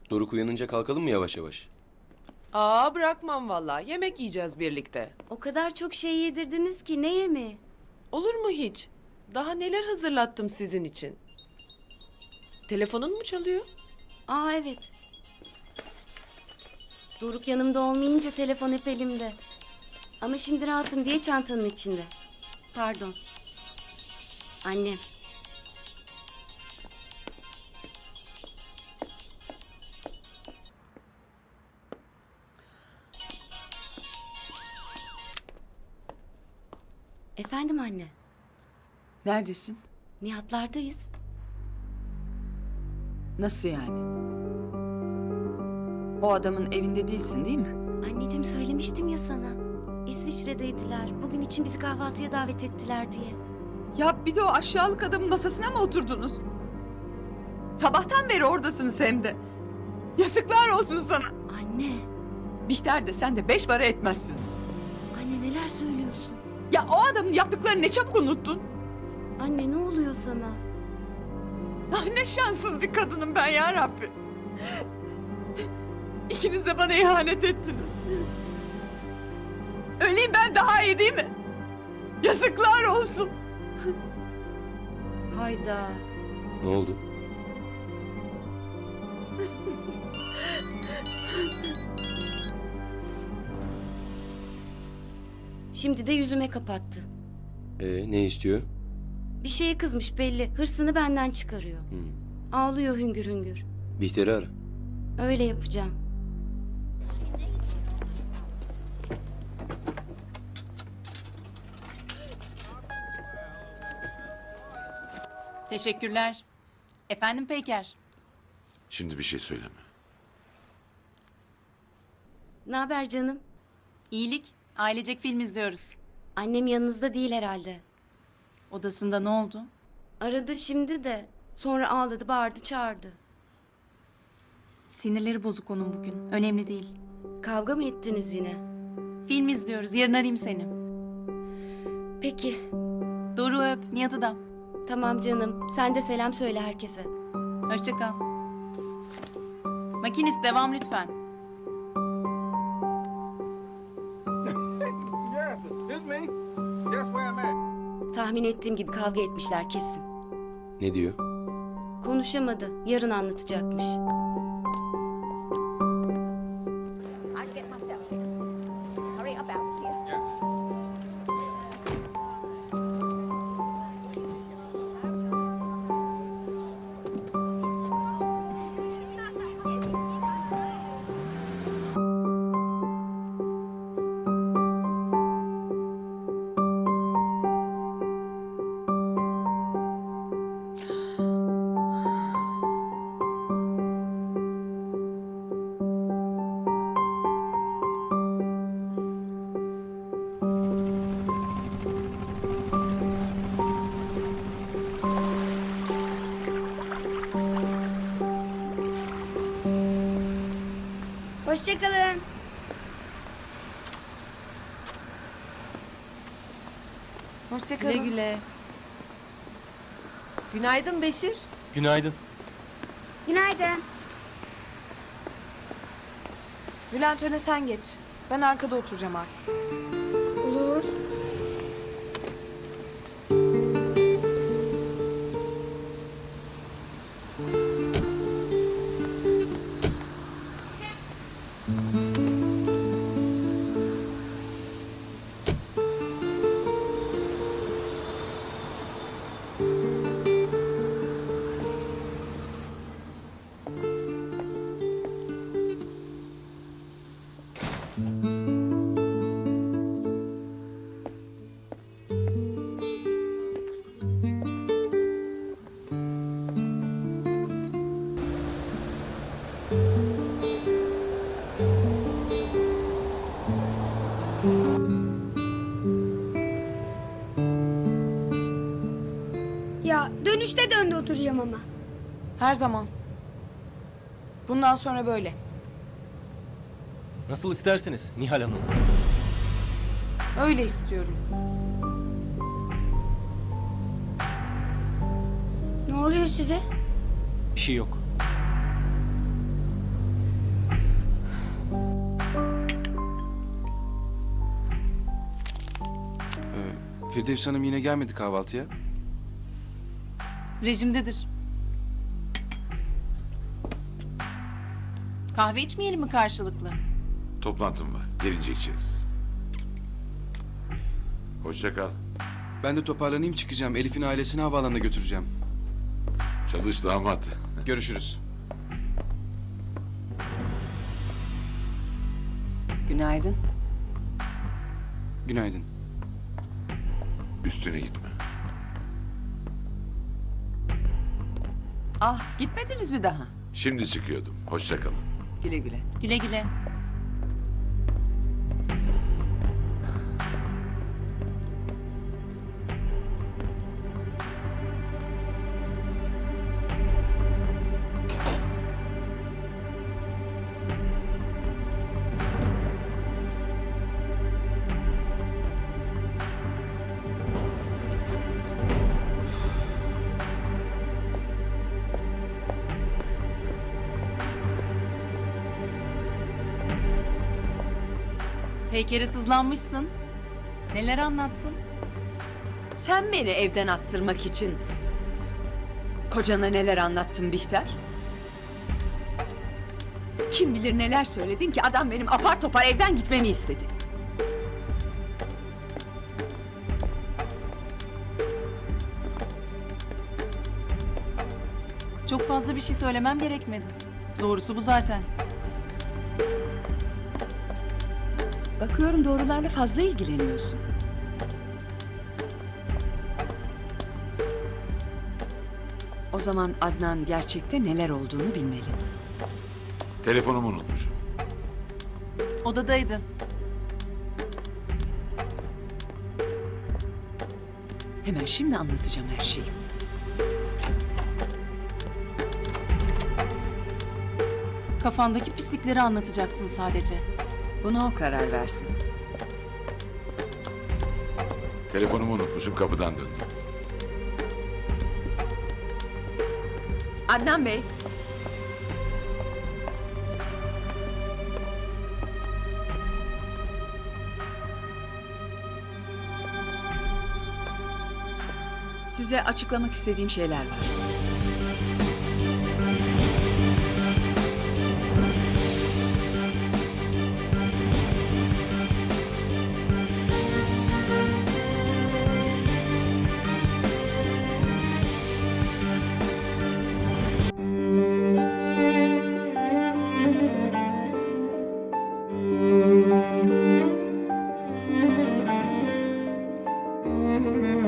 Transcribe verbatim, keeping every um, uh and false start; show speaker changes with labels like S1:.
S1: Doruk uyanınca kalkalım mı yavaş yavaş?
S2: Aa bırakmam vallahi. Yemek yiyeceğiz birlikte.
S3: O kadar çok şey yedirdiniz ki ne yemi?
S2: Olur mu hiç? Daha neler hazırlattım sizin için. Telefonun mu çalıyor?
S3: Aa evet. Doruk yanımda olmayınca telefon hep elimde. Ama şimdi rahatım diye çantanın içinde. Pardon. Annem. Efendim anne.
S4: Neredesin?
S3: Nihatlardayız.
S4: Nasıl yani? O adamın evinde değilsin değil mi?
S3: Anneciğim söylemiştim ya sana. İsviçre'deydiler. Bugün için bizi kahvaltıya davet ettiler diye.
S4: Ya bir de o aşağılık adamın masasına mı oturdunuz? Sabahtan beri oradasınız hem de. Yazıklar olsun sana.
S3: Anne.
S4: Bihter de sen de beş para etmezsiniz.
S3: Anne neler söylüyorsun?
S4: Ya o adamın yaptıklarını ne çabuk unuttun.
S3: Anne ne oluyor sana?
S4: Ah ne şanssız bir kadınım ben ya Rabbi. İkiniz de bana ihanet ettiniz. Öleyim ben daha iyi değil mi? Yazıklar olsun.
S3: Hayda.
S1: Ne oldu?
S3: Şimdi de yüzüme kapattı.
S1: Ee, ne istiyor?
S3: Bir şeye kızmış belli. Hırsını benden çıkarıyor.
S1: Hmm.
S3: Ağlıyor hüngür hüngür.
S1: Bihter'i ara.
S3: Öyle yapacağım.
S5: Teşekkürler. Efendim Peyker.
S6: Şimdi bir şey söyleme.
S3: Ne haber canım?
S5: İyilik. Ailecek film izliyoruz.
S3: Annem yanınızda değil herhalde.
S5: Odasında ne oldu?
S3: Aradı şimdi de. Sonra ağladı, bağırdı, çağırdı.
S5: Sinirleri bozuk onun bugün. Önemli değil.
S3: Kavga mı ettiniz yine?
S5: Film izliyoruz. Yarın arayayım seni.
S3: Peki.
S5: Doruk'u öp. Nihat'ı da.
S3: Tamam canım. Sen de selam söyle herkese.
S5: Hoşça kal. Makinist devam lütfen.
S7: Yes, it's me. Guess where I'm at?
S3: Tahmin ettiğim gibi kavga etmişler kesin.
S1: Ne diyor?
S3: Konuşamadı. Yarın anlatacakmış.
S8: I'll get myself here. Hurry up out of here.
S9: Hoşçakalın.
S2: Güle güle. Günaydın Beşir.
S1: Günaydın.
S9: Günaydın.
S10: Bülent öne sen geç. Ben arkada oturacağım artık.
S9: Olur. Ya dönüşte döndü oturacağım ama.
S10: Her zaman. Bundan sonra böyle.
S11: Nasıl isterseniz Nihal Hanım.
S10: Öyle istiyorum.
S9: Ne oluyor size?
S11: Bir şey yok. Firdevs Hanım yine gelmedi kahvaltıya.
S5: Rejimdedir. Kahve içmeyelim mi karşılıklı?
S6: Toplantım var. Gelince içeriz. Hoşça kal.
S11: Ben de toparlanayım çıkacağım. Elif'in ailesini havaalanına götüreceğim.
S6: Çalış damat.
S11: Görüşürüz.
S4: Günaydın.
S11: Günaydın.
S6: Üstüne gitme.
S4: Ah, gitmediniz mi daha?
S6: Şimdi çıkıyordum. Hoşça kalın.
S4: Güle güle.
S5: Güle güle. Peyker'e sızlanmışsın. Neler anlattın?
S4: Sen beni evden attırmak için kocana neler anlattın Bihter? Kim bilir neler söyledin ki adam benim apar topar evden gitmemi istedi.
S5: Çok fazla bir şey söylemem gerekmedi. Doğrusu bu zaten.
S4: Bakıyorum doğrularla fazla ilgileniyorsun. O zaman Adnan gerçekte neler olduğunu bilmeli.
S6: Telefonumu unutmuşum.
S5: Odadaydı.
S4: Hemen şimdi anlatacağım her şeyi.
S5: Kafandaki pislikleri anlatacaksın sadece.
S4: Buna o karar versin.
S6: Telefonumu unutmuşum. Kapıdan döndüm.
S4: Adnan Bey. Size açıklamak istediğim şeyler var.
S9: Hı hı.